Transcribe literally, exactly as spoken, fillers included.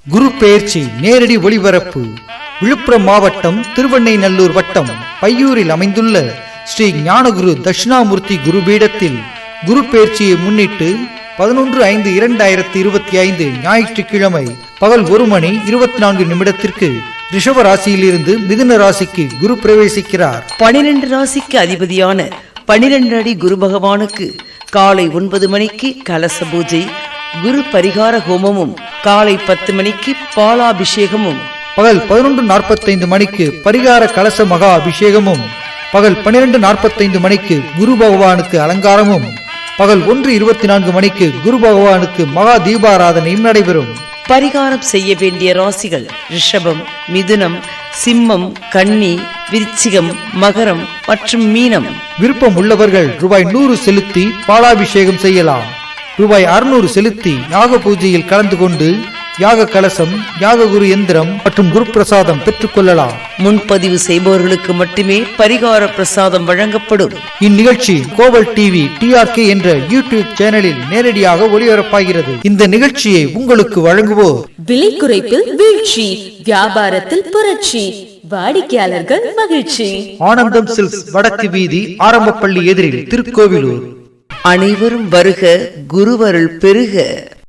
குரு பெயர்ச்சி நேரடி ஒளிபரப்பு விழுப்புரம் மாவட்டம் திருவெண்ணைநல்லூர் வட்டம் பையூரில் அமைந்துள்ள ஸ்ரீ ஞானகுரு தட்சிணாமூர்த்தி குருபீடத்தில் குரு பெயர்ச்சியை முன்னிட்டு பதினொன்று ஐந்து இரண்டாயிரத்தி இருபத்தி ஐந்து ஞாயிற்றுக்கிழமை பகல் ஒரு மணி இருபத்தி நான்கு நிமிடத்திற்கு ரிஷப ராசியிலிருந்து மிதுன ராசிக்கு குரு பிரவேசிக்கிறார். பனிரெண்டு ராசிக்கு அதிபதியான பனிரெண்டு அடி குரு பகவானுக்கு காலை ஒன்பது மணிக்கு கலச பூஜை, குரு பரிகார ஹோமமும், காலை பத்து மணிக்கு பாலாபிஷேகமும், பகல் பதினொன்று நாற்பத்தைந்து மணிக்கு பரிகார கலச மகா அபிஷேகமும், பகல் பனிரெண்டு நாற்பத்தைந்து மணிக்கு குரு பகவானுக்கு அலங்காரமும், பகல் ஒன்று இருபத்தி நான்கு மணிக்கு குரு பகவானுக்கு மகா தீபாராதனையும் நடைபெறும். பரிகாரம் செய்ய வேண்டிய ராசிகள் ரிஷபம், மிதுனம், சிம்மம், கன்னி, விருச்சிகம், மகரம் மற்றும் மீனம். விருப்பம் உள்ளவர்கள் ரூபாய் நூறு செலுத்தி பாலாபிஷேகம் செய்யலாம். ரூபாய் அறுநூறு செலுத்தி யாக பூஜையில் கலந்து கொண்டு யாக கலசம், யாக குரு எந்திரம் மற்றும் குரு பிரசாதம் பெற்றுக் கொள்ளலாம். முன்பதிவு செய்பவர்களுக்கு மட்டுமே பரிகார பிரசாதம் வழங்கப்படும். இந்நிகழ்ச்சி கோவல் டிவி டி ஆர் கே என்ற யூடியூப் சேனலில் நேரடியாக ஒளிபரப்பாகிறது. இந்த நிகழ்ச்சியை உங்களுக்கு வழங்குவோர் விலை குறைப்பில் வீழ்ச்சி, வியாபாரத்தில் புரட்சி, வாடிக்கையாளர்கள் மகிழ்ச்சி. ஆனந்தம் சில்க்ஸ், வடக்கு வீதி, ஆரம்பப்பள்ளி எதிரில், திருக்கோவிலூர். அனைவரும் வருக, குருவருள் பெருக.